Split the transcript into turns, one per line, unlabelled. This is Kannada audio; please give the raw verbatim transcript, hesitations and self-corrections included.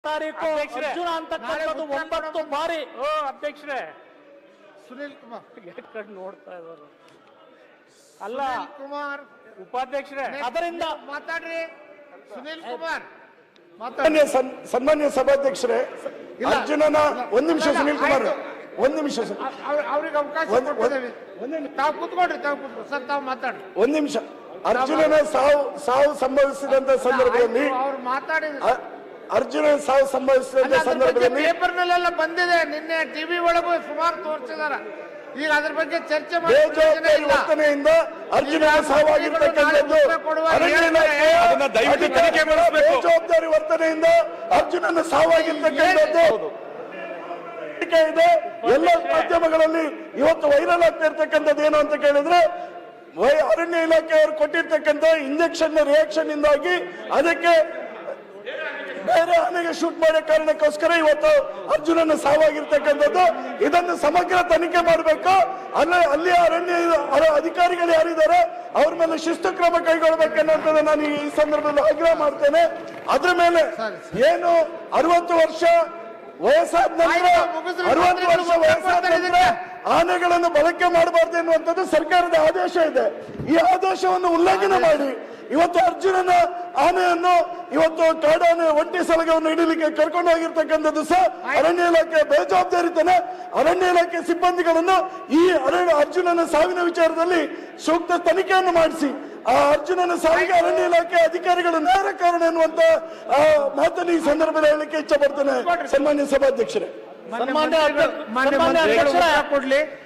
ತಾರೀಕು ಅರ್ಜುನ ಅಂತಕ್ಕಂಥದ್ದು ಒಂಬತ್ತು ಬಾರಿ
ಓ ಅಧ್ಯಕ್ಷರೇ
ಸುನಿಲ್ ಕುಮಾರ್
ಗೇಟ್ ಕಡೆ ನೋಡ್ತಾ ಇದ್ದಾರೆ ಅಲ್ಲ
ಸುನಿಲ್ ಕುಮಾರ್
ಉಪಾಧ್ಯಕ್ಷರೇ
ಅದರಿಂದ
ಮಾತಾಡ್ರಿ ಸುನಿಲ್ ಕುಮಾರ್
ಸನ್ಮಾನ್ಯ ಸನ್- ಸನ್ಮಾನ್ಯ ಸಭಾಧ್ಯಕ್ಷರೇ, ಅರ್ಜುನನ ಒಂದ್ ನಿಮಿಷ ಸುನಿಲ್ ಕುಮಾರ್ ಒಂದ್ ನಿಮಿಷ ಸರ್.
ಅವ್ರ- ಅವ್ರಿಗೆ ಅವಕಾಶ
ಒಂದ್-
ಕೊಟ್ಟಿದ್ದೇವೆ.
ಒಂದ್ ನಿಮಿಷ.
ತಾವು ಕೂತ್ಕೊಳ್ರಿ ತಾವು ಕೂತ್ಕೊ ಸರ್ ತಾವು ಮಾತಾಡ್ರಿ
ಒಂದ್ ನಿಮಿಷ. ಅರ್ಜುನನ ಸಾವು ಸಾವು ಸಂಭವಿಸಿದಂತ ಸಂದರ್ಭದಲ್ಲಿ
ಅವ್ರು ಮಾತಾಡಿದ್ರು
ಅ- ಅರ್ಜುನನ ಸಾವು ಸಂಭವಿಸಿದಂತ ಸಂದರ್ಭದಲ್ಲಿ
ಪೇಪರ್ ನಲ್ಲೆಲ್ಲ ಬಂದಿದೆ, ನಿನ್ನೆ ಟಿವಿ ಒಳಗೂ ಸುಮಾರು ತೋರಿಸಿದಾರ. ಈಗ ಅದ್ರ ಬಗ್ಗೆ ಚರ್ಚೆ ಮಾಡಿ
ಬೇಜವಾಬ್ದಾರಿ ವರ್ತನೆಯಿಂದ ಅರ್ಜುನನ ಸಾವಾಗಿರ್ತಕ್ಕಂಥದ್ದು ಅರಣ್ಯ ಇಲಾಖೆ
ಅದನ್ನ ದಯವಿಟ್ಟು ತನಿಖೆ ಮಾಡಿಸ್ಬೇಕು.
ಬೇಜವಾಬ್ದಾರಿ ವರ್ತನೆಯಿಂದ ಅರ್ಜುನನ ಸಾವಾಗಿರ್ತಕ್ಕಂಥದ್ದು ಇದೆ. ಎಲ್ಲ ಮಾಧ್ಯಮಗಳಲ್ಲಿ ಇವತ್ತು ವೈರಲ್ ಆಗ್ತಾ ಇರ್ತಕ್ಕಂಥದ್ದು ಏನು ಅಂತ ಕೇಳಿದ್ರೆ, ವೈ- ಅರಣ್ಯ ಇಲಾಖೆಯವರು ಕೊಟ್ಟಿರ್ತಕ್ಕಂಥ ಇಂಜೆಕ್ಷನ್ ರಿಯಾಕ್ಷನ್ ಇಂದಾಗಿ ಅದಕ್ಕೆ ಬೇರೆ ಆನೆಗೆ ಶೂಟ್ ಮಾಡೋ ಕಾರಣಕ್ಕೋಸ್ಕರ ಇವತ್ತು ಅರ್ಜುನನ ಸಾವಾಗಿರ್ತಕ್ಕಂಥದ್ದು. ಇದನ್ನು ಸಮಗ್ರ ತನಿಖೆ ಮಾಡಬೇಕು. ಅಲ್ಲ ಅಲ್ಲಿ ಅರಣ್ಯ ಅರ- ಅಧಿಕಾರಿಗಳು ಯಾರಿದ್ದಾರೆ ಅವ್ರ ಮೇಲೆ ಶಿಸ್ತು ಕ್ರಮ ಕೈಗೊಳ್ಳಬೇಕನ್ನೋದನ್ನ ನಾನು ಈ ಸಂದರ್ಭದಲ್ಲಿ ಆಗ್ರಹ ಮಾಡ್ತೇನೆ. ಅದ್ರ ಮೇಲೆ ಏನು ಅರವತ್ತು ವರ್ಷ ವಯಸ್ಸಾದ ನಂತರ ಅರವತ್ತು ವರ್ಷ ವಯಸ್ಸಾದ ನಂತರ ಆನೆಗಳನ್ನು ಬಳಕೆ ಮಾಡಬಾರ್ದು ಎನ್ನುವಂಥದ್ದು ಸರ್ಕಾರದ ಆದೇಶ ಇದೆ. ಈ ಆದೇಶವನ್ನು ಉಲ್ಲಂಘನೆ ಮಾಡಿ ಇವತ್ತು ಅರ್ಜುನನ ಆನೆಯನ್ನು ಇವತ್ತು ಕಾಡಾನೆ ಒಂಟಿ ಸಲಗವನ್ನು ಹಿಡಿಲಿಕ್ಕೆ ಕರ್ಕೊಂಡು ಹೋಗಿರ್ತಕ್ಕಂಥದ್ದು ಸಹ ಅರಣ್ಯ ಇಲಾಖೆ ಬೇಜವಾಬ್ದಾರಿತನ. ಅರಣ್ಯ ಇಲಾಖೆ ಸಿಬ್ಬಂದಿಗಳನ್ನು ಈ ಅರಣ್ಯ ಅರ್ಜುನನ ಸಾವಿನ ವಿಚಾರದಲ್ಲಿ ಸೂಕ್ತ ತನಿಖೆಯನ್ನು ಮಾಡಿಸಿ ಆ ಅರ್ಜುನನ ಸಾವಿಗೆ ಅರಣ್ಯ ಇಲಾಖೆ ಅಧಿಕಾರಿಗಳು ನೇರ ಕಾರಣ ಎನ್ನುವಂತ ಆ, ಮಾತನ್ನು ಈ ಸಂದರ್ಭದಲ್ಲಿ ಹೇಳಲಿಕ್ಕೆ ಇಚ್ಛೆ ಪಡ್ತೇನೆ. ಸನ್ಮಾನ್ಯ ಸಭಾಧ್ಯಕ್ಷರೇ,
ಮಾನ್ಯ
ಸನ್ಮಾನ್ಯ
ಮಂತ್ರಿಗಳು- ಮಾನ್ಯ
ಸನ್ಮಾನ್ಯ
ಮಂತ್ರಿಗಳು
ಅಧ್ಯಕ್ಷರೇ,
ಉತ್ತರ ಕೊಡ್ಲಿ.